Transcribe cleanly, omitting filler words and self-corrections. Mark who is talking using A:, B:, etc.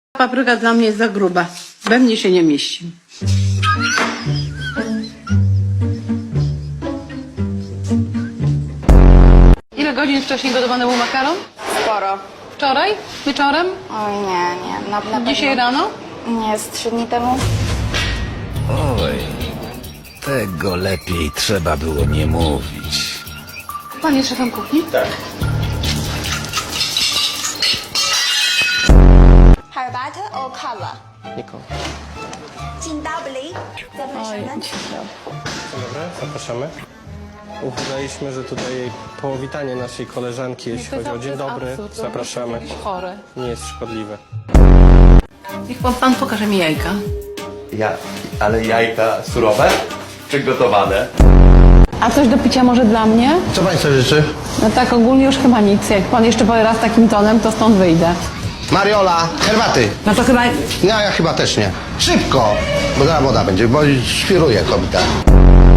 A: Papryka dla mnie jest za gruba. We mnie się nie mieści. Ile godzin wcześniej gotowany był makaron?
B: Sporo.
A: Wczoraj? Wieczorem?
B: Oj, nie. Na pewno.
A: Dzisiaj rano?
B: Nie, z 3 dni temu.
C: Oj, tego lepiej trzeba było nie mówić.
A: Pan jest szefem kuchni? Tak.
D: Herbatę o kawę?
E: Niko.
D: Dzień dobry. Zapraszamy.
E: Dobra, zapraszamy. Udaliśmy, że tutaj powitanie naszej koleżanki, jeśli chodzi o dzień dobry. Zapraszamy.
A: Chore.
E: Nie jest szkodliwe.
A: Niech pan pokaże mi jajka.
F: Ale jajka surowe czy gotowane?
A: A coś do picia może dla mnie?
G: Co Państwo życzy?
A: No tak ogólnie już chyba nic. Jak pan jeszcze powie raz takim tonem, to stąd wyjdę.
G: Mariola, herbaty.
A: No to chyba...
G: No ja chyba też nie. Szybko, bo zaraz woda będzie, bo świruje kobieta.